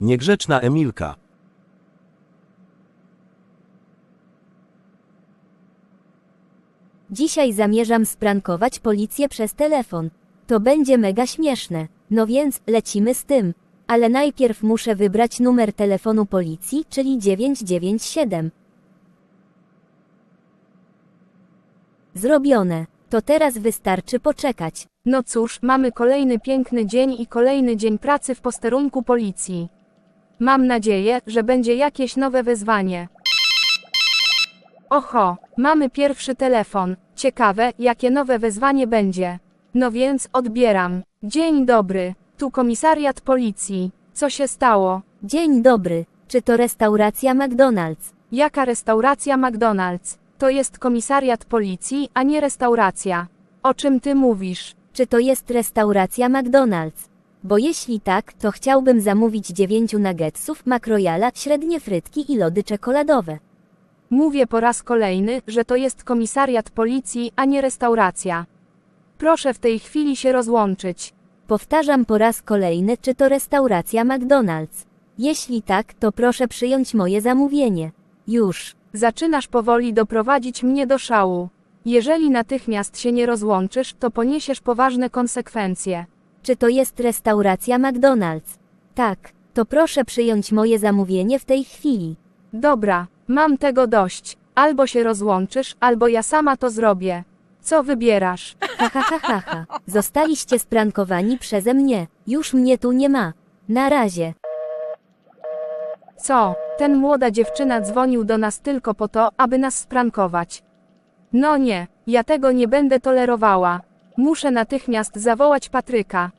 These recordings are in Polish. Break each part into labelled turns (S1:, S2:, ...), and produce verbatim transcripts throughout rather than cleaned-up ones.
S1: Niegrzeczna Emilka.
S2: Dzisiaj zamierzam sprankować policję przez telefon. To będzie mega śmieszne. No więc, lecimy z tym. Ale najpierw muszę wybrać numer telefonu policji, czyli dziewięć dziewięć siedem. Zrobione. To teraz wystarczy poczekać.
S3: No cóż, mamy kolejny piękny dzień i kolejny dzień pracy w posterunku policji. Mam nadzieję, że będzie jakieś nowe wyzwanie. Oho, mamy pierwszy telefon. Ciekawe, jakie nowe wyzwanie będzie. No więc, odbieram. Dzień dobry, tu komisariat policji. Co się stało?
S2: Dzień dobry. Czy to restauracja McDonald's?
S3: Jaka restauracja McDonald's? To jest komisariat policji, a nie restauracja. O czym ty mówisz?
S2: Czy to jest restauracja McDonald's? Bo jeśli tak, to chciałbym zamówić dziewięciu nuggetsów, makrojala, średnie frytki i lody czekoladowe.
S3: Mówię po raz kolejny, że to jest komisariat policji, a nie restauracja. Proszę w tej chwili się rozłączyć.
S2: Powtarzam po raz kolejny, czy to restauracja McDonald's. Jeśli tak, to proszę przyjąć moje zamówienie. Już.
S3: Zaczynasz powoli doprowadzić mnie do szału. Jeżeli natychmiast się nie rozłączysz, to poniesiesz poważne konsekwencje.
S2: Czy to jest restauracja McDonald's? Tak. To proszę przyjąć moje zamówienie w tej chwili.
S3: Dobra, mam tego dość. Albo się rozłączysz, albo ja sama to zrobię. Co wybierasz?
S2: Ha ha ha ha ha. Zostaliście sprankowani przeze mnie. Już mnie tu nie ma. Na razie.
S3: Co? Ten młoda dziewczyna dzwonił do nas tylko po to, aby nas sprankować. No nie, ja tego nie będę tolerowała. Muszę natychmiast zawołać Patryka.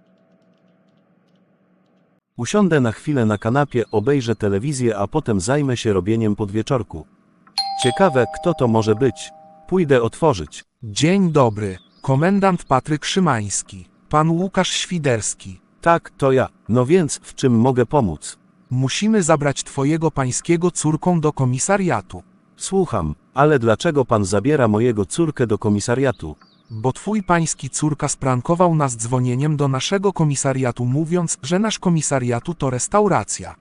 S1: Usiądę na chwilę na kanapie, obejrzę telewizję, a potem zajmę się robieniem podwieczorku. Ciekawe, kto to może być. Pójdę otworzyć.
S4: Dzień dobry, komendant Patryk Szymański, pan Łukasz Świderski.
S1: Tak, to ja. No więc, w czym mogę pomóc?
S4: Musimy zabrać twojego pańskiego córką do komisariatu,
S1: Słucham, ale dlaczego pan zabiera mojego córkę do komisariatu?
S4: bo twój pański córka sprankował nas dzwonieniem do naszego komisariatu, mówiąc, że nasz komisariatu to restauracja.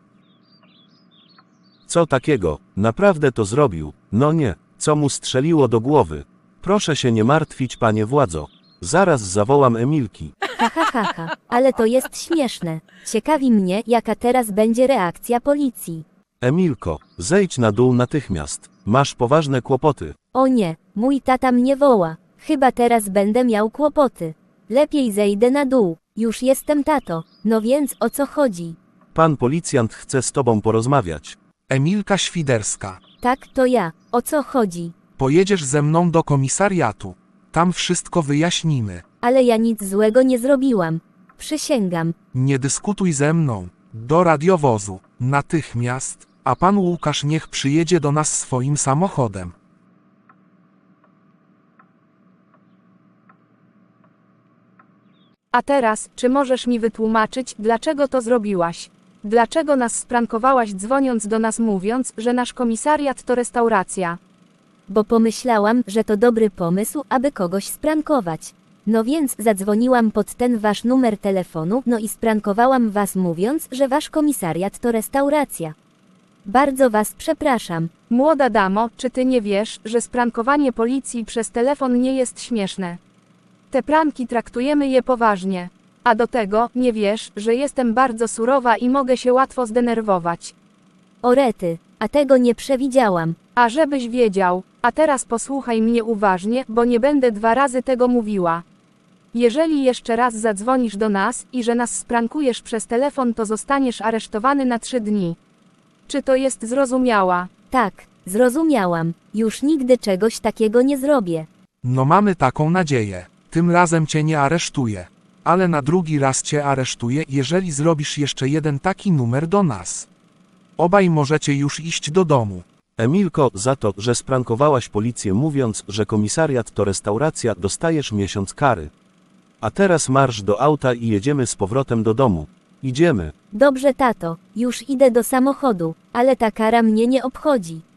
S1: Co takiego? Naprawdę to zrobił? No nie, co mu strzeliło do głowy? Proszę się nie martwić, panie władzo. Zaraz zawołam Emilki.
S2: Ha ha ha ha. Ale to jest śmieszne. Ciekawi mnie, jaka teraz będzie reakcja policji.
S1: Emilko, zejdź na dół natychmiast. Masz poważne kłopoty.
S2: O nie, mój tata mnie woła. Chyba teraz będę miał kłopoty. Lepiej zejdę na dół. Już jestem, tato. No więc o co chodzi?
S1: Pan policjant chce z tobą porozmawiać.
S4: Emilka Świderska,
S2: Tak, to ja. O co chodzi?
S4: pojedziesz ze mną do komisariatu. Tam wszystko wyjaśnimy.
S2: Ale ja nic złego nie zrobiłam. Przysięgam.
S4: Nie dyskutuj ze mną. Do radiowozu. Natychmiast. A pan Łukasz niech przyjedzie do nas swoim samochodem.
S3: A teraz, czy możesz mi wytłumaczyć, dlaczego to zrobiłaś? Dlaczego nas sprankowałaś, dzwoniąc do nas, mówiąc, że nasz komisariat to restauracja?
S2: Bo pomyślałam, że to dobry pomysł, aby kogoś sprankować. No więc zadzwoniłam pod ten wasz numer telefonu, no i sprankowałam was, mówiąc, że wasz komisariat to restauracja. Bardzo was przepraszam.
S3: Młoda damo, czy ty nie wiesz, że sprankowanie policji przez telefon nie jest śmieszne? Te pranki traktujemy je poważnie. A do tego, nie wiesz, że jestem bardzo surowa i mogę się łatwo zdenerwować.
S2: O rety, a tego nie przewidziałam.
S3: A żebyś wiedział, a teraz posłuchaj mnie uważnie, bo nie będę dwa razy tego mówiła. Jeżeli jeszcze raz zadzwonisz do nas i że nas sprankujesz przez telefon, to zostaniesz aresztowany na trzy dni. Czy to jest zrozumiała?
S2: Tak, zrozumiałam. Już nigdy czegoś takiego nie zrobię.
S4: No mamy taką nadzieję. Tym razem cię nie aresztuję. Ale na drugi raz cię aresztuję, jeżeli zrobisz jeszcze jeden taki numer do nas. Obaj możecie już iść do domu.
S1: Emilko, za to, że sprankowałaś policję, mówiąc, że komisariat to restauracja, dostajesz miesiąc kary. A teraz marsz do auta i jedziemy z powrotem do domu. Idziemy.
S2: Dobrze, tato, już idę do samochodu, ale ta kara mnie nie obchodzi.